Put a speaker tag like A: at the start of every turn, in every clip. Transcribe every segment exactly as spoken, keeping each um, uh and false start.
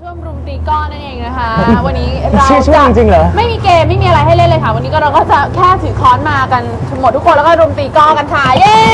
A: ช่วงรุมตีก้อนนั่นเองนะคะ วันนี้เรา
B: ชื่อช่วงจริงเหรอ
A: ไม่มีเกมไม่มีอะไรให้เล่นเลยค่ะวันนี้ก็เราก็จะแค่ถือค้อนมากันหมดทุกคนแล้วก็รุมตีก้อนกันค่ะเย้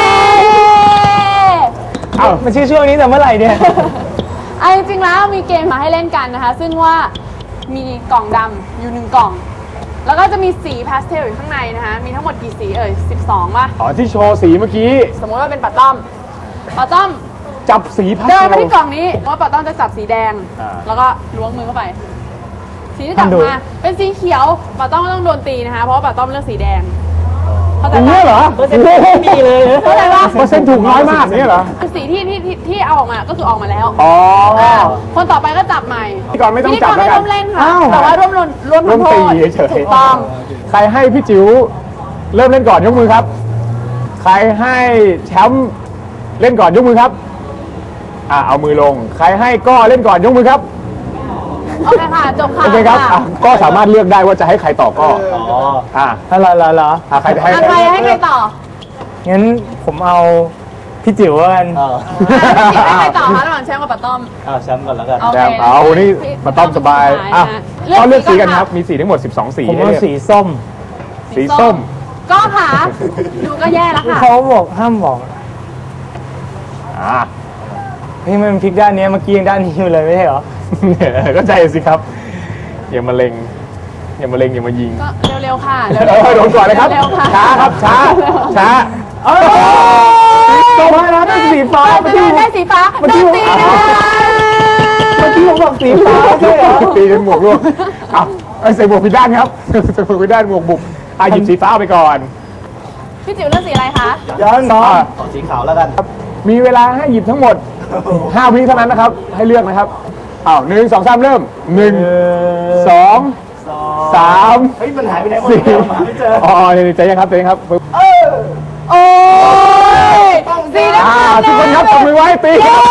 B: เอ้ามันชื่อช่วงนี้แต่เมื่อไหร่เนี่ย
A: ไอ้จริงๆแล้วมีเกมมาให้เล่นกันนะคะซึ่งว่ามีกล่องดำอยู่หนึ่งกล่องแล้วก็จะมีสีพาสเทลอยู่ข้างในนะคะมีทั้งหมดกี่สีเอ่ยสิบสองป่ะ
B: อ๋อที่โชว์สีเมื่อกี้
A: สมมติว่าเป็นปัดต้อมปัดต้อม
B: จับสีพาสเทล
A: เดินมาที่กล่องนี้ว่าปัดต้อมจะจับสีแดงแล้วก็ล้วงมือเข้าไปสีที่จับมาเป็นสีเขียวปัดต้อมก็ต้องโดนตีนะคะเพราะว่าปัดต้อมเลือกสีแดงเข้าใจปะ
B: เหรอเปอร์เซ็นต์ไม่มีเลย
A: เข้าใจปะ
B: เปอร์เซ็นต์ถูกน้อยมากเนี่ยเหรอ
A: คือสีที่ที่ที่เอาออกมาก็คือออกมาแล้ว
B: อ๋อ
A: คนต่อไปก็จับใหม่
B: พี่กรไม่ต้องจับแล้วกัน
A: ร่วมเล่นค่ะแต่ว่าร่วมร่วม
B: ร่วมตีเฉยๆ
A: ถูกต้อง
B: ใครให้พี่จิ๋วเริ่มเล่นก่อนยกมือครับใครให้แชมป์เล่นก่อนยกมือครับอ่าเอามือลงใครให้ก็เล่นก่อนยกมือครับ
A: โอเคค่ะจบค่ะ
B: โอเคครับก็สามารถเลือกได้ว่าจะให้ใครต่อก็อ๋ออ่า
C: อะไรล่ะล่ะ
B: ใครจะให้
A: ใครให้ใครต่อ
C: งั้นผมเอาพี่จิ๋วกัน
A: ให้ใครต่อคะระหว่างแชมป์กับปัตต้อม
C: เอาแชมป์ก่อนแล้วกัน
B: แชมป์เอานี่ปัตต้อมสบายอ่ะก็เลือกสีกันครับมีสีทั้งหมดสิบสองสี
C: ผมเอาสีส้ม
B: สีส้ม
A: ก็ค่ะดูก็แย่แล้วค่ะ
C: เขาบอกห้ามบอก
B: อ่า
C: พี่มันพลิกด้านนี้เมื่อกี้ยังด้านนี้อยู่เลยไม่ใช่เหรอ
B: ก็ใจสิครับอย่ามาเล็งอย่ามาเล็งอย่ามายิง
A: ก็เร็วๆค่ะ
B: เร็วๆโดนก่อนเลยครับช้าครับช้าช้าเออต่อมาแล้วได้สีฟ้า
A: เมื่อกี้ได้สีฟ้าโดนตีนะคะ
C: เมื่อกี้ผมบอกสีฟ้าใช่เหรอ
B: ตีจนหมวกร่วงอ้าวใส่หมวกผิดด้านครับใส่หมวกผิดด้านหมวกบุบอ่ะหยิบสีฟ้าไปก่อน
A: พี่จิ๋วเลือกสีอะไรคะ
C: ย้อนสองสีขาวแล้วกัน
B: มีเวลาให้หยิบทั้งหมดห้าวิเท่านั้นนะครับให้เลือกนะครับอ้าวหนึ่งสองสามเริ่มหนึ่งสองสาม
C: เฮ้ยมันหายไปไหนหมด
B: สี่
C: ไม่เจอ
B: อ๋อใจยังครับใจยังครับ
A: โอ้ยสีแดง
B: ทุกคนครับจับมือไว้ตีครับ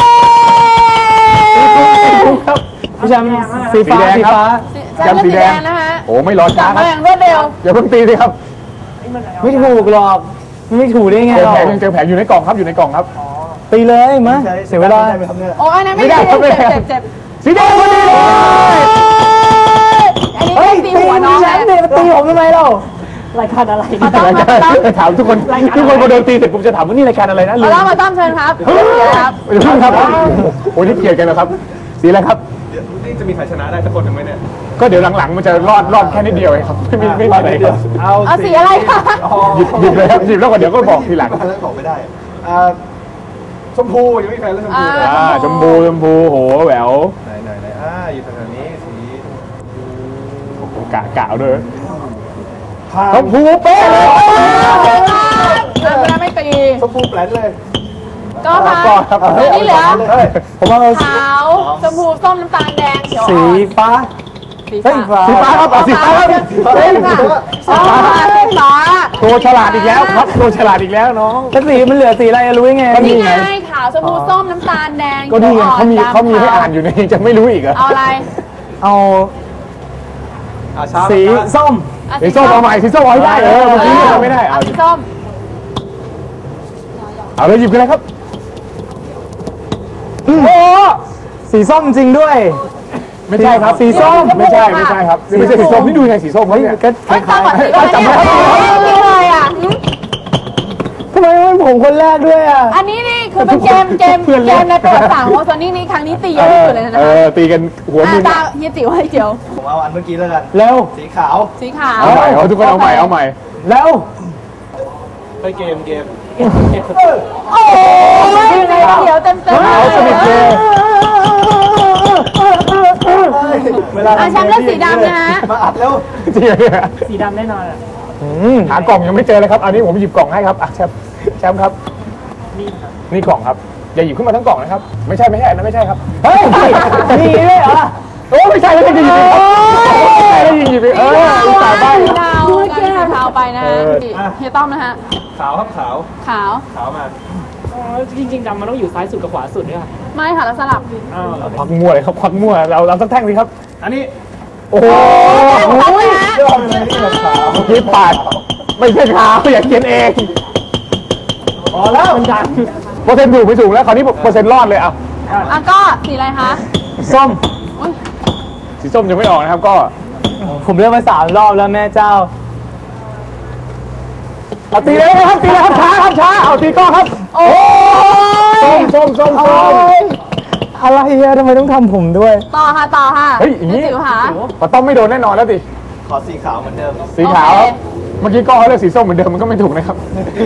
C: ครับพี่แชมป์สีฟ้าสีฟ้า
A: แชมป์สีแดงนะคะ
B: โอ้ไม่รอช้าครับ
A: รวดเร็ว
B: อย่าเพิ่งตีสิครับ
C: ไม่ถูกหรอกไม่ถูกได้ไง
B: เจอแผงยังเจอแผงอยู่ในกล่องครับอยู่ในกล่องครับ
C: ตีเลยมาเสียเวลา
A: โอ้ยนั่นไม่ได้เจ็บเจ็บเจ็บ
B: สีแดงพอดีเลย
A: อันนี้ตีหัวน้อง
C: แชมป์เนี่ยตีผมทำไมเรารายการอะไร
B: ถามทุกคนทุกคนพอโดนตีเสร็จผมจะถามว่านี่รายการอะไรนะ
A: ลืมมาต้อมเชิญครับ
B: ครับอย่าเพิ่งครับโอ้ยนี่เกลียดกันนะครับสีอะไรครับ
D: นี่จะมีใครชนะได้สักคนหนึ่งไหมเนี่ย
B: ก็เดี๋ยวหลังๆมันจะรอดรอดแค่นิดเดียวเองครับไม่มีไม่มีอะไรครับ
A: เอาสีอะไรคะ
B: หยิบหยิบเลยครับหยิบแล้วก็เดี๋ยวก็บอกทีหลัง
D: บอกไม่ได้ชมพูยังไม่แพ้เลยชมพู
B: อ่าชมพูชมพูโหแหวว
D: ไหนไหนไหนอ่าอยู่แถวนี้สี
B: กะกะด้วยชมพูเป๊ะเลย
A: ไม่ไม่ตี
D: ชมพูแปลนเลย
A: ก็ค่ะนี่เหลือ
C: ผมว่า
A: ขาวชมพูส้มน้ำตาลแดงเขียว
C: สีฟ้า
A: สีฟ้า
B: สีฟ้าครับสีฟ้าครับ
A: สีฟ้าสีฟ้า
B: ตัวฉลาดอีกแล้วครับตัวฉลาดอีกแล้วน้อง
C: แล้วสีมันเหลือสีอะไรรู้ยังไง
A: นี่ไงขาวชมพูส้มน้ำตาลแดง
B: ก็นี่ไงเขามีเขามีให้อ่านอยู่ในจะไม่รู้อีกเหรอ
A: เอาอะไร
C: เอาสีส้ม
B: สีส้มเอาใหม่สีส้มเอาให้ได้เออเมื่อกี้ไม่ได้
A: เอาสีส้ม
B: เอาเลยหยิบกันเลยครับ
C: โอ้สีส้มจริงด้วย
B: ไม่ใช่ครับสีส้มไม่ใช่ไม่ใช่ครับไม่ใช่สีส้มนี่ดูไงสีส้มเขาเนี่ย
C: ก็คล้าย
A: ๆจำไม่ได้เลยอ่ะ
C: ทำไมไม่ผมคนแรกด้วยอ่ะ
A: อันนี้นี่คือเป็นเกมเกมเกมในประวัติศาสตร์ของโซนี่นี่ครั้งนี้ตีเยอะที่สุดเลยนะ
B: เออตีกันหัวมือ
A: ตาเฮียจิ๋วให้เจียว
D: ผมเอาอันเมื่อกี้แล้วกัน
C: เร็ว
D: สีขาว
A: สีขาว
B: เอาใหม่เอาทุกคนเอาใหม่เอาใหม่
C: แล้ว
D: ไปเกมเกม
A: โอ้ยเดี๋ยวเต็มเต็ม
B: เอาสนิทเลย
A: เวลาแชมป์เลือกสีดำนะฮะ
D: มาอัดแล้ว
B: จริงเลย
C: สีดำแน่นอนอ่ะ
B: หากล่องยังไม่เจอเลยครับอันนี้ผมหยิบกล่องให้ครับอ่ะแชมป์แชมป์ครับนี่กล่องครับอย่าหยิบขึ้นมาทั้งกล่องนะครับไม่ใช่ไม่ใช่นะไม่ใช่ครับ
C: เฮ้ยนี่เลยเหรอ
B: โอ้ไม่ใช่แล้วจะหยิบไม่ใช่แล้วหยิบเออสายใบ
A: ดาวแก้ขาวไปนะฮะเฮียต้อมนะฮะ
D: ขาวครับขาว
A: ขาว
D: ขาวมา
C: จริงๆดำมันต้องอยู่ซ้ายสุดกับขวาสุดด้วยค่ะ
A: ไม่ค่ะเราสลับ
B: ควักมั่วเลยครับควักมั่วเราเราสักแท่งสิครับ
D: อันนี้
B: โอ้โหคิดปาดไม่ใช่ขาวอย่าเขียนเอง
C: อ๋อแล้วมันดัง
B: เปอร์เซ็นต์ถูกไม่ถูกแล้วคราวนี้เปอร์เซ็นต์รอดเลยอ่ะ
A: อ่ะก็สีอะไรคะ
C: ส้ม
A: อุ๊ย
B: สีส้มยังไม่ออกนะครับก็
C: ผมเลือกมาสามรอบแล้วแม่เจ้า
B: เอาตีเลยนะครับตีเลยครับช้าครับช้าเอาตีก้อครับ
A: โอ้ย
B: ส้มส้มส้มส้ม
C: อะไรอะทำไมต้องทำผมด้วย
A: ต่อค่ะต่อค่ะ
B: เฮ้ยอย่างนี้
A: นี้จิ๋วค่ะ
B: ปะต้อมไม่โดนแน่นอนแล้วดิ
D: ขอสีขาวเหมือนเดิม
B: สีขาว
A: โอเค
B: เมื่อกี้ก้อเขาเลือกสีส้มเหมือนเดิมมันก็ไม่ถูกนะครับ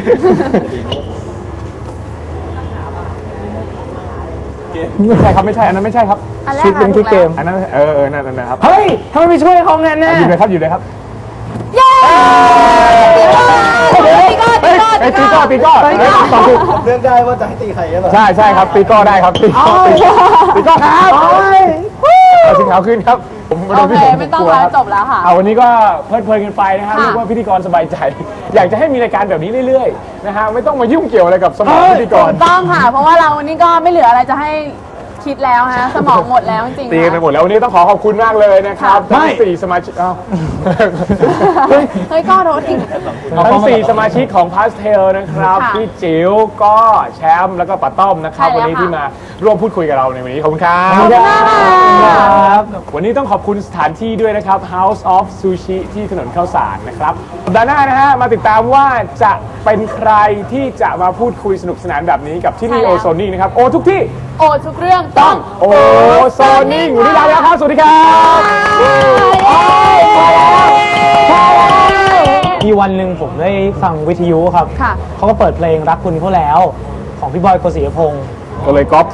B: ไม่ใช่ครับไม่ใช่อันนั้นไม่ใช่ครับ
A: อันแรก
C: ชุดเป็นที่เกม
B: อันนั้นเออเออนั่นนั่นนะครับ
C: เฮ้ยทำไมไม่ช่วยเขางั้นน่ะ
B: อยู่เลยครับอยู่เลยครับ
A: เย้ตีก้อตีก้อ
B: เอ้
A: ตี
B: ยตี
A: ก้
B: ก้
A: อ
B: อตีก้อเอ้ยตอบถูก
D: เลือกได้ว่าจะให้ตีใครก็ได้
B: ใช่ใช่ครับตีก้อได้ครับตีก้อตีก้อตีก้อครับเอาสีขาวขึ้นครับผม
A: โอเคไม่ต้องแล้วจบแล้วค่ะ
B: เอาวันนี้ก็เพลิดเพลินกันไปนะครับ
A: ค่ะ
B: เรียกว่าพิธีกรสบายใจ อยากจะให้มีรายการแบบนี้เรื่อยๆนะฮะไม่ต้องมายุ่งเกี่ยวอะไรกับสมองพิธีกร
A: ถูกต้องค่ะ เพราะว่าเราวันนี้ก็ไม่เหลืออะไรจะให้คิดแล้วฮะสมองหมดแล้วจริงๆ
B: ตีกันไป
A: นะ
B: หมดแล้ววันนี้ต้องขอขอบคุณมากเลยนะครับ
A: ค่ะ
B: ทั้งสี่สมาชิกอ้าว
A: เฮ้ยก็โทษอีก
B: ทั้งสี่สมาชิกของพาสเทลนะครับ
A: ค่ะ
B: พี่จิ๋วก็แชมป์แล้วก็ป้าต้อมนะครับ
A: ใช่แล้ว
B: วันนี้
A: ค่ะ
B: ที่มาร่วมพูดคุยกับเราในวันนี้ขอบคุณครับ
A: ขอบคุณมากค่ะ
C: ครับ
B: วันนี้ต้องขอบคุณสถานที่ด้วยนะครับ House of Sushi ที่ถนนข้าวสารนะครับสัปดาห์หน้านะฮะมาติดตามว่าจะเป็นใครที่จะมาพูดคุยสนุกสนานแบบนี้กับที่นี่
A: ใช่
B: โอ
A: แล้ว
B: โซนิ่งนะครับโอทุกที่
A: โอทุกเรื่อง
B: ต้
A: ต้
B: อ
A: อง ง
B: โอโซนิ่งวันนี้ลาไปแล้วครับ สวัสดีครับ
C: มีวันหนึ่งผมได้ฟังวิทยุครับ
A: ค่ะ
C: เขาก็เปิดเพลงรักคุณเขาแล้ว ของพี่บอยโกศิยพงศ์
B: ก็เลยก๊อป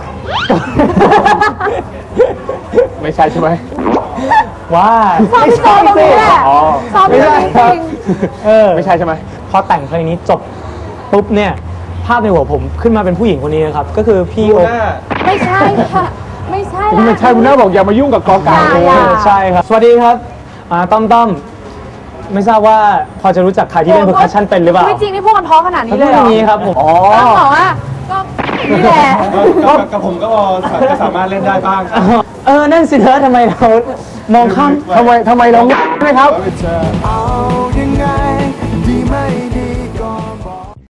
B: ไม่ใช่ใช่ไหม
C: ว่า
A: ชอบพี่โจตรงนี้แหละ
B: อ๋อ
A: ชอบพี่โจจริง
C: เออ
B: ไม่ใช่ใช่ไหม
C: พอแต่งเพลงนี้จบปุ๊บเนี่ย ภาพในหัวผมขึ้นมาเป็นผู้หญิงคนนี้นะครับ ก็คือพี่
D: ดู
C: โอ
D: หน้า
A: ๆไม่ใช่ค่ะ ไม่ใช่
B: ไม่ใช่คุณน้าบอกอย่ามายุ่งกับกอไก่
A: อย่า
B: เล
A: อย่า
B: ย
C: ใช่ครับ สวัสดีครับอ่าต้อมต้อมไม่ทราบว่าพอจะรู้จักใครที่เล่นเพอร์คัชชั่นเป็นหรือเปล่า
A: ไม่จริงนี่พูดกันเพราะขนาดนี้
C: เขา
A: เล
C: เล่
A: ย
C: น
A: เหร
C: อ
A: อย่าง
C: นี้ครับผม
B: อ๋อ
A: ต้องบอกว่าก็นี่แหละ
D: ก็กับผมก็พอจะสามารถเล่นได้บ้างครับ
C: เออ นั่นสิเธอทำไมเรามองข้าม
B: ทำไมทำไมเราไม่ไหมครับ
D: เจอ